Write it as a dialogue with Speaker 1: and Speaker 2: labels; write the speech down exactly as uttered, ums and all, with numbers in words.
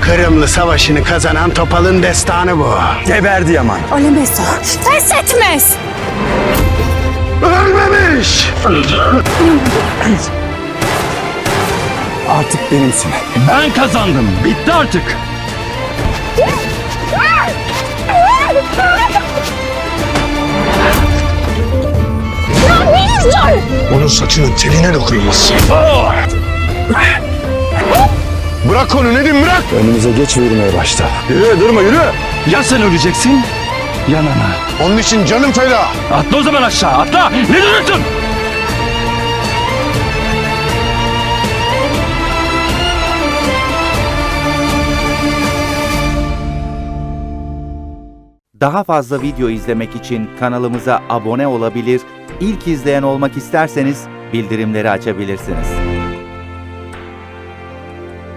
Speaker 1: Kırımlı Savaşı'nı kazanan Topal'ın destanı bu.
Speaker 2: Geberdi Yaman.
Speaker 3: Ölemez o. Pes etmez.
Speaker 1: Ölmemiş!
Speaker 2: Artık benimsin.
Speaker 4: Ben kazandım. Bitti artık.
Speaker 3: Ya bir dur!
Speaker 5: Onun saçının teline dokunmaz. Bırak onu Nedim, bırak!
Speaker 2: Önümüze geç ve yürümeye başla.
Speaker 5: Yürü, durma, yürü!
Speaker 4: Ya sen öleceksin ya Nana.
Speaker 5: Onun için canım feda!
Speaker 4: Atla o zaman aşağı, atla. Ne duruyorsun?
Speaker 6: Daha fazla video izlemek için kanalımıza abone olabilir, ilk izleyen olmak isterseniz bildirimleri açabilirsiniz.